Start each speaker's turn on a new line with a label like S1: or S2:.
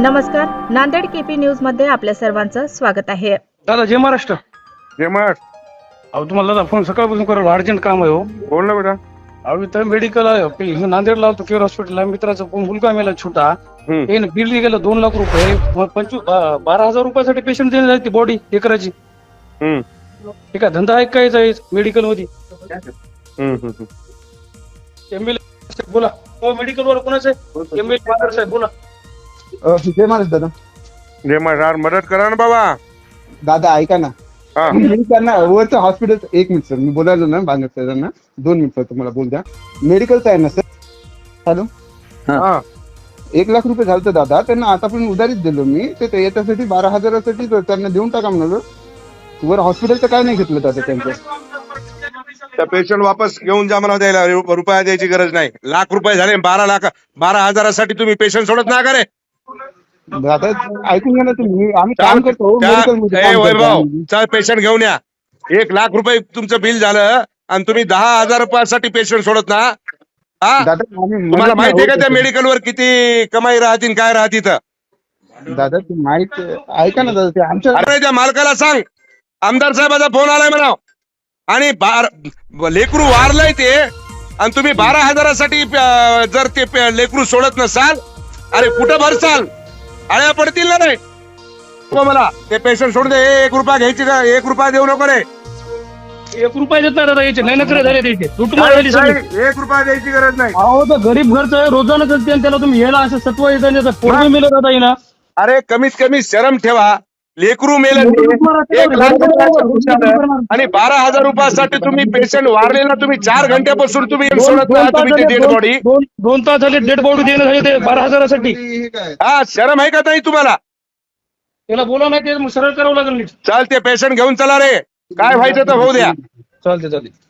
S1: नमस्कार, Nanded KP news मध्ये आपल्या सर्वांचं स्वागत आहे.
S2: दादा जय महाराष्ट्र.
S3: जय महाराष्ट्र.
S2: अहो तुम्हाला दादा फोन सकाळपासून करायला अर्जंट काम आहे हो.
S3: बोल ना बेटा.
S2: अहो इथं मेडिकल आहे नांदेडला होतो केअर हॉस्पिटल आहे, मित्राचा मुलगा मेला छोटा. हे बिल गेलं 2 लाख रुपये. 12,000 रुपयासाठी पेशंट देण्यात आली ती बॉडी हे करायची. हे काय धंदा आहे काय मेडिकल मध्ये? एमएलए बोला. हो मेडिकल वर कोणाचं आहे? एमएलए साहेब बोला.
S4: जय महाराज दादा.
S3: जय महाराज. मदत करा ना बाबा.
S4: दादा ऐका ना,
S3: हा.
S4: मी त्यांना वरचं हॉस्पिटल 1 मिनिट सर, मी बोलायलो ना बांगर सरांना 2 मिनिट सर, तुम्हाला बोल द्या. मेडिकलचं आहे ना सर? हॅलो.
S3: हा.
S4: 1 लाख रुपये झालं दादा, त्यांना आता पण उधारीच दिलो मी. ते याच्यासाठी 12,000साठी त्यांना देऊन टाका म्हणालो. वर हॉस्पिटलचं काय नाही घेतलं दादा त्यांचं.
S3: त्या पेशंट वापस घेऊन जा मला, द्यायला रुपया द्यायची गरज नाही. लाख रुपये झाले. 12,000साठी तुम्ही पेशंट सोडत ना का रे?
S4: दादा ऐकून घ्या ना तुम्ही, आम्ही काम करतो मेडिकलमध्ये काम करतो
S3: वैभव
S4: आम्ही.
S3: चल पेशंट घेऊन या. 1 लाख रुपये तुमचं बिल झालं आणि तुम्ही 10,000 रुपयासाठी पेशंट सोडत ना? हा?
S4: दादा आम्ही
S3: तुम्हाला
S4: मदत
S3: माहिती आहे का
S4: नाही
S3: त्या
S4: होत.
S3: मेडिकलवर किती कमाई राहतील काय राहतील?
S4: दादा ते माहित ऐका ना दादा, ते आमच्या
S3: अरे त्या मालकाला सांग, आमदार साहेबाचा फोन आलाय म्हणा आणि लेकरू वारलंय ते, आणि तुम्ही 12,000साठी जर ते लेकरू सोडत नसाल, अरे कुठं भरसाल? आळ्या पडतील ना रे. हो मला ते पेशंट सोडून दे. 1 रुपया घ्यायची का? 1 रुपया देऊ नको रे.
S2: 1 रुपया देत नाही दादा याचे. नाही नखरे झाले त्याचे. लुटमार झाली सगळी.
S3: 1 रुपया द्यायची गरज नाही.
S2: अहो तर गरीब घरचं आहे, रोजानं चलते आणि त्याला तुम्ही याला असं सत्व येतं पोरगी मेलं दादा येईना.
S3: अरे कमीत कमी शरम ठेवा. लेकरू मेलं ते, 1 लाख रुपयाचं नुकसान आहे. आणि 12,000 रुपयासाठी तुम्ही पेशंट वारलेला तुम्ही 4 घंट्यापासून तुम्ही सोडत नाही तुम्ही ती डेड बॉडी.
S2: 2 तास झाले डेड बॉडी देणं झाले ते 12,000साठी.
S4: हे काय
S3: हा शरम आहे का नाही तुम्हाला?
S2: त्याला बोला नाही ते सरळ करावं लागेल नीट.
S3: चाल ते पेशंट घेऊन चला रे. काय व्हायचं तर होऊ द्या.
S2: चालते.